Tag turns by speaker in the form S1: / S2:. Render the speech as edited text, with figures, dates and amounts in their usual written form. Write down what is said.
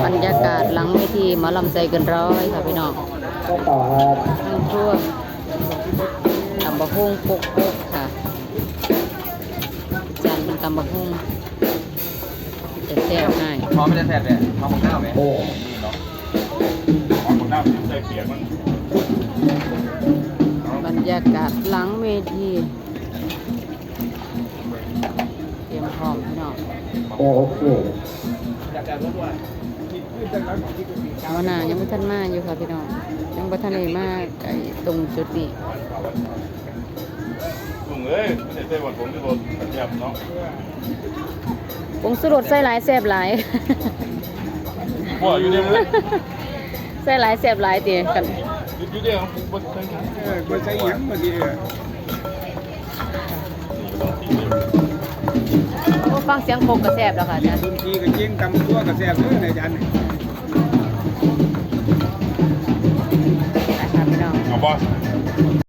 S1: รยากาศหลังเวทีหมอลำใจเกินร้อยค่ะพี่น้อง
S2: ก็ต่อครับ
S1: ทั้งทั่วตำบะฮุ่งปุกค่ะจานเป็นตำบะฮุ่งจะแซ่บให้
S3: พร้อมไม่ได้แซ่บเลยพร้อมของข้าวไหม
S2: โอ้
S3: นี่เนาะ
S4: ของหน้าใส่เปียกมัน
S1: บรรยากาศหลังเวทีเตรียมพร้อมพี่น้อง
S2: โอเค
S1: เอาหน้ายังไม่ทันมาอยู่ค่ะพี่น้องยังไม่ทันได้มาไอ้ตรงจุดนี้
S4: ลุงเอ้ยไม่ได้ใส่หวานผมที่รถแบบเนาะ
S1: ผงสุรสใส่หลายแซ่บหลาย
S4: บ่อยู่ในมือ
S1: ใส่หลายแซ่บหลายตีกัน
S4: อยู่เดียวผมบ่ใส่หยัง
S5: ก็ใช้หยังมาดี
S1: โอ้ฟังเสียงโคกก็แซ่บแล้วค่ะอาจารย์
S5: บางทีก็เจ๊งตำตัวก็แซ่บเลยในจาน
S1: ไปค่ะพี่น้อง
S4: เอาบ่